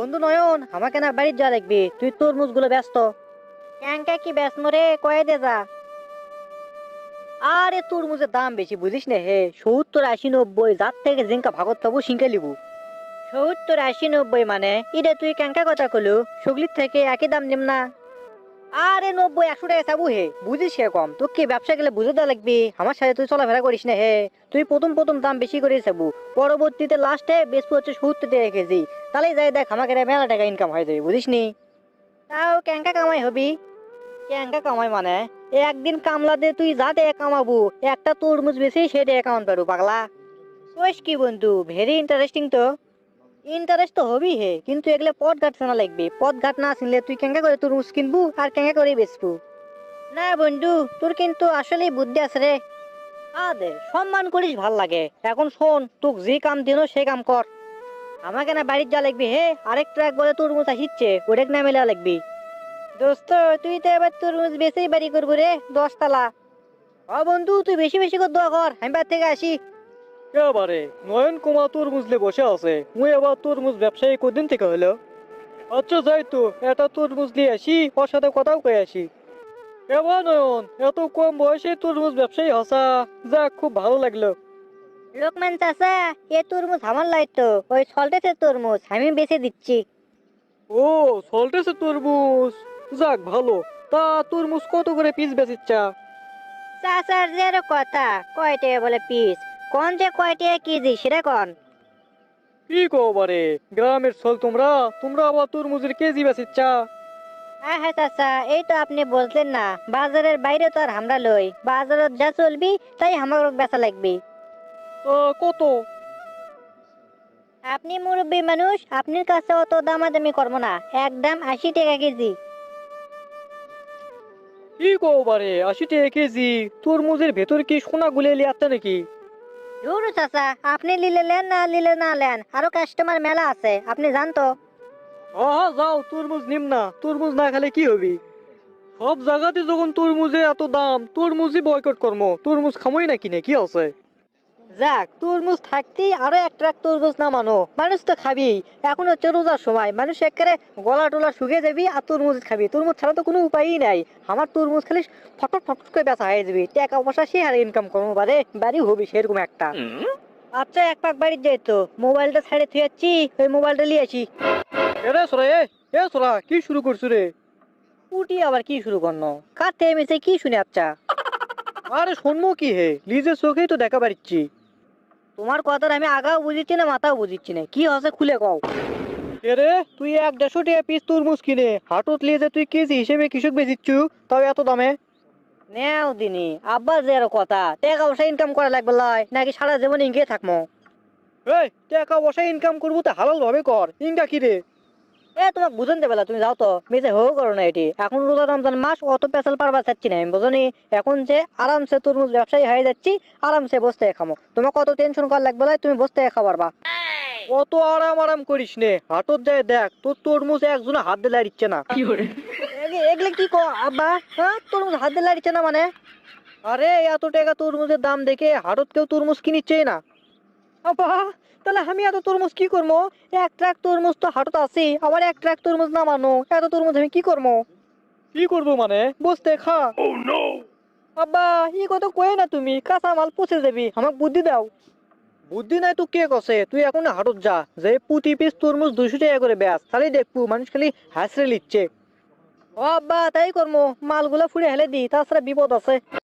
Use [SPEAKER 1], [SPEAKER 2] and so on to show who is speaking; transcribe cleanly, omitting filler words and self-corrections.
[SPEAKER 1] বন্ধু নয়ন, আমাকে না বাড়ির যা লাগবে, তুই তরমুজ গুলো ব্যস্ত। ক্যাংকা কি ব্যস্ত রে, কয়ে দে যা। আরে তরমুজের দাম বেশি বুঝিস না হে, 70, 80, 90, যার থেকে জিঙ্কা ভাগত পাবো সিঙ্কা লিবু। 70, 80, 90 মানে ইরে তুই ক্যাংকা কথা কলু, সুগলির থেকে একই দাম নিম না। আরে 90, 100 টাকা চাবু হে, বুঝিস হে কম, তোর কি ব্যবসা গেলে বুঝে দেওয়া লাগবে, আমার সাথে তুই চলাফেরা করিস না হে। তুই প্রথম প্রথম দাম বেশি করে চাবু, পরবর্তীতে লাস্টে বেশি হচ্ছে 70 টাকা কেজি। তাহলে যাই দেখ আমাকে মেলা টাকা ইনকাম হয়ে যাবে, বুঝিস নি। তাও ক্যাংকা কামাই হবি। ক্যাংকা কামাই মানে একদিন কামলা দে তুই যা টাকা কামাবো, একটা তরমুজ বেশি সে টাকা কামাতে পারবো পাগলা। কইস কি বন্ধু, ভেরি ইন্টারেস্টিং তো। ইন্টারেস্ট তো হবি হে, কিন্তু এগুলো পথ ঘাট চেনা লাগবে, পথ ঘাট না চিনলে তুই কেঙ্গা করে তরমুজ কিনবু আর কেঙ্গা করে বেচবু। না বন্ধু, তোর কিন্তু আসলেই বুদ্ধি আছে রে। আদে সম্মান করিস ভাল লাগে। এখন শোন, তোক যে কাম দিন সে কাম কর। আমাকে না বাড়ির যা লাগবি হে, আরেক ট্রাক বলে তরমুজ আসিচ্ছে, ওটাকে না মেলা লাগবি। দোস্ত তুই তো এবার তরমুজ বেচেই বাড়ি করবো রে, 10 তলা। ও বন্ধু, তুই বেশি বেশি করে দোয়া কর, আমি বাড়ি থেকে আসি।
[SPEAKER 2] এবারে নয়ন কুমার তরমুজ লে বসে আছে, মুই আবার তরমুজ ব্যবসায়ী কদিন থেকে হলো। আচ্ছা যাই তো, এটা তরমুজ নিয়ে আসি, ওর সাথে কথাও কয়ে আসি। এবার নয়ন, এত কম বয়সে তরমুজ ব্যবসায়ী হসা, যাক খুব ভালো লাগলো।
[SPEAKER 1] লোকমান চাচা, এ তরমুজ আমার লাই তো, ওই সল্টেছে তরমুজ আমি বেচে দিচ্ছি।
[SPEAKER 2] ও, চলতেছে তরমুজ, যাক ভালো। তা তরমুজ কত করে পিস বেচিচ্ছা?
[SPEAKER 1] চাচার যে আরো কথা, কয় টাকা বলে পিস, কোন যে কয় টাকা কেজি সেটা কন।
[SPEAKER 2] কি কো বারে, গ্রামের ছল তোমরা, তোমরা আবার তরমুজের কেজি বেচিচ্ছা?
[SPEAKER 1] হ্যাঁ হ্যাঁ চাচা, এই তো আপনি বলছেন না, বাজারের বাইরে তো আর আমরা লই, বাজারত যা চলবি তাই আমার বেচা লাগবে।
[SPEAKER 2] তা কত?
[SPEAKER 1] আপনি মুরব্বী মানুষ, আপনার কাছে অত দামাদামি করবো না, একদম 80 টাকা কেজি।
[SPEAKER 2] কি কো বারে, 80 টাকা কেজি? তরমুজের ভেতর কি সোনা গুলে লিয়াচ্ছে নাকি?
[SPEAKER 1] ধুরু চাচা, আপনি নিলে নেন না নিলে না নেন, আরো কাস্টমার মেলা আছে, আপনি জান তো।
[SPEAKER 2] হ্যাঁ যাও, তরমুজ নিম না, তরমুজ না খেলে কি হবি? সব জায়গাতে যখন তরমুজে এত দাম, তরমুজই বয়কট কর্ম, তরমুজ খামই না কিনে কি আছে?
[SPEAKER 1] যাক, তরমুজ থাকতেই আরো এক ট্রাক তরমুজ নামানো, মানুষ তো খাবি। এখন হচ্ছে রোজার সময়, মানুষ একেবারে গলা টলা শুকিয়ে যাবি আর তরমুজ খাবি, তরমুজ ছাড়া তো কোনো উপায়ই নাই। আমার তরমুজ খালি ফটফট ফটফট করে বেচা হয়ে যাবি, টাকা পয়সা সে আর ইনকাম করবো বারে বাড়ি হবি সেরকম একটা। আচ্ছা এক পাক বাড়ির যাই তো, মোবাইলটা ছেড়ে থুয়ে যাচ্ছি, ওই মোবাইলটা নিয়ে আসি।
[SPEAKER 2] এরে সোরা, এ সোরা, কি শুরু করছু রে?
[SPEAKER 1] উটি আবার কি শুরু করনো, কার থেকে মেসে কি শুনে আচ্ছা।
[SPEAKER 2] আরে শুনবো কি হে, নিজের চোখেই তো দেখা পারিচ্ছি।
[SPEAKER 1] তোমার কথার আমি আগাও বুঝিচ্ছি না মাথাও বুঝিচ্ছি না, কি হচ্ছে খুলে কও।
[SPEAKER 2] এরে তুই 150 টাকা পিস তরমুজ কিনে হাটত লিয়ে যে তুই কেজি হিসেবে কৃষক বেচিচ্ছু, তাও এত দামে?
[SPEAKER 1] নেও দিনি আব্বা যে আরো কথা, টাকা পয়সা ইনকাম করা লাগবে লয়, নাকি সারা জীবন ইঙ্গে থাকবো।
[SPEAKER 2] এই টাকা পয়সা ইনকাম করবো তো হালাল ভাবে কর, ইনকা কি রে?
[SPEAKER 1] তোমাকে বুঝান দেবে তুমি যাও তো, মেজে হো করো না এটি, এখন রোজা রমজান মাস, অত পেশাল পারবা চাচ্ছি না আমি, বুঝনি। এখন যে আরামসে তরমুজ ব্যবসায়ী হয়ে যাচ্ছি, আরামসে বসতে খামো, তোমাকে কত টেনশন করা লাগবে লয়, তুমি বসতে খাবার বা।
[SPEAKER 2] অত আরাম আরাম করিস নে, হাটত যায় দেখ তোর তরমুজ একজনে হাত দিলে আর ইচ্ছে না।
[SPEAKER 1] এগুলো কি কো আব্বা, হ্যাঁ তরমুজ হাত দিয়ে লাগছে না মানে।
[SPEAKER 2] আরে এত টাকা তরমুজের দাম দেখে হাটত কেউ তরমুজ কিনিচ্ছে না।
[SPEAKER 1] আব্বা, তাহলে আমি এত তরমুজ কি করবো, এক ট্রাক তরমুজ তো হাটত আছে, আবার এক ট্রাক তরমুজ নামানো, এত তরমুজ আমি কি করবো।
[SPEAKER 2] কি করবো মানে, বসতে খা।
[SPEAKER 1] আব্বা, ই কথা কয়ে না তুমি, কাঁচা মাল পচে যাবি, আমাকে বুদ্ধি দাও।
[SPEAKER 2] বুদ্ধি নাই তো কে কছে, তুই এখন হাটত যা, যে প্রতি পিস তরমুজ 200 টাকা করে বেচ, তাহলে দেখবো মানুষ খালি হাসরে লিচ্ছে।
[SPEAKER 1] ও আব্বা, তাই করবো, মালগুলা ফুড়ে হেলে দি, তাছাড়া বিপদ আছে।